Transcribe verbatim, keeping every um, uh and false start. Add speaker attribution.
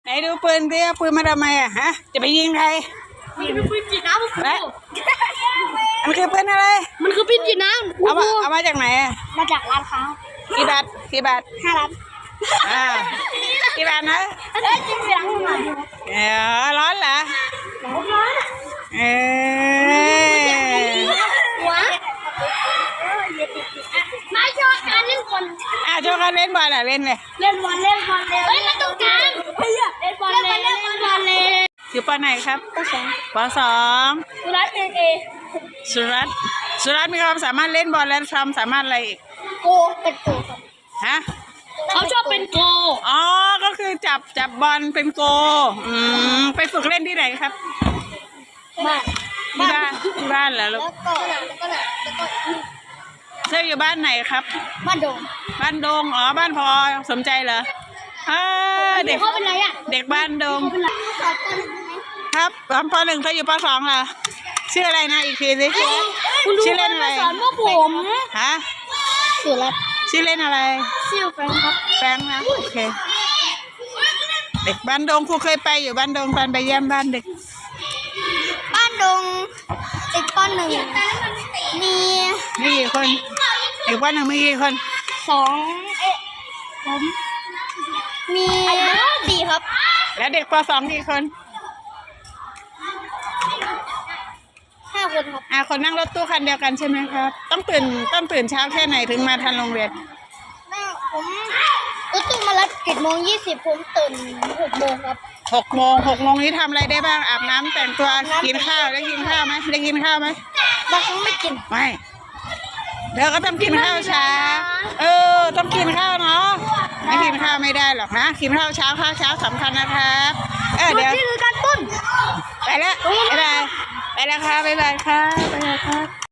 Speaker 1: ไหนดูปืนดิเอาปืนมาทำไมอ่ะฮะจะไปยิงใคร
Speaker 2: มันคือปืนฉีดน้ำครู
Speaker 1: มันคือปืนอะไร
Speaker 2: มันคือปืนฉีดน้ำ
Speaker 1: เอามาเอามาจากไหนอ่ะ
Speaker 2: มาจากร้านค้า
Speaker 1: กี่บาทกี่บาท
Speaker 2: ห้าล้าน
Speaker 1: อ่ากี่บาทนะ
Speaker 2: เอ้ยจริงเสียงหน่อย
Speaker 1: เออร้อนเหรอ
Speaker 2: ร้อน
Speaker 1: เออ
Speaker 2: หัวไม่ชอบการเล่นบอล
Speaker 1: อ่ะโชว์การเล่นบอลอ่ะเล่นเลย
Speaker 2: เล่นบอลเล่นบอลเฮ้ยมาตรงกลางเล่นบอลเล่นเล่นบอลเล่น
Speaker 1: อยู่ปไหนครับ
Speaker 2: ก็สอง
Speaker 1: ปสอง
Speaker 2: กุรัตเอเอ
Speaker 1: สุรัตน์สุรัตน์มีความสามารถเล่นบอลและความสามารถอะไรอีก
Speaker 2: โกเป็นโกครับ
Speaker 1: ฮะ
Speaker 2: เขาชอบเป็นโก
Speaker 1: อ๋อก็คือจับจับบอลเป็นโกอืมไปฝึกเล่นที่ไหนครับ
Speaker 2: บ้าน
Speaker 1: ที่บ้านที่บ้านเหรอลู
Speaker 2: แล้
Speaker 1: ก
Speaker 2: วก็แล้วก็แล้วก็
Speaker 1: เธออยู่บ้านไหนครับ
Speaker 2: บ้านโดง
Speaker 1: บ้านดงอ๋อบ้านพอสมใจเหรออ่าเด็ก
Speaker 2: เขาเป็นไรอ่ะ
Speaker 1: เด็กบ้านดง
Speaker 2: เขาเป็นไรสอนกัน
Speaker 1: ครับตอนปหนึ่งเธออยู่ปสองเหรอชื่ออะไรนะอีกทีสิ
Speaker 2: คุณดู
Speaker 1: ชื่อเล่นอะไร
Speaker 2: สอนพวกผม
Speaker 1: ฮะ
Speaker 2: สุรัตน์
Speaker 1: ชื่อเล่นอะไร
Speaker 2: ซิลแฟงครับ
Speaker 1: แฟงนะโอเคเด็กบ้านดงครูเคยไปอยู่บ้านดงตอนไปเยี่ยมบ้านเด็ก
Speaker 2: บ้านดงติดปหนึ่งมี
Speaker 1: มีกี่คนเด็กบ้านหนึ่งมีกี่คน
Speaker 2: สองเอ๊ะผมมีสี่ครับ
Speaker 1: แล้วเด็กปสองกี่คน
Speaker 2: ห้าคนครับ
Speaker 1: อ่าคนนั่งรถตู้คันเดียวกันใช่ไหมครับต้องตื่นต้องตื่นเช้าแค่ไหนถึงมาทันโรงเรียน
Speaker 2: แม่ผมรถตู้มารับเจ็ดโมงยี่สิบผมตื่นหกโมงครับ
Speaker 1: หกโมงหกโมงนี้ทำอะไรได้บ้างอาบน้ำแต่งตัวกินข้าวได้กินข้าวไหมได้กินข้าวไหม
Speaker 2: บางครั้งไม่กิน
Speaker 1: ไม่เดี๋ยวก็ต้องกินข้าวเช้าเออต้องกินข้าวเนาะไม่กินข้าวไม่ได้หรอกนะกินข้าวเช้าข้าวเช้าสำคัญนะครับเออเดี๋ยว
Speaker 2: นี่คือการต้น
Speaker 1: ไปแล้วบ๊ายบายไปแล้วค่ะบ๊ายบายค่ะบ๊ายบายค่ะ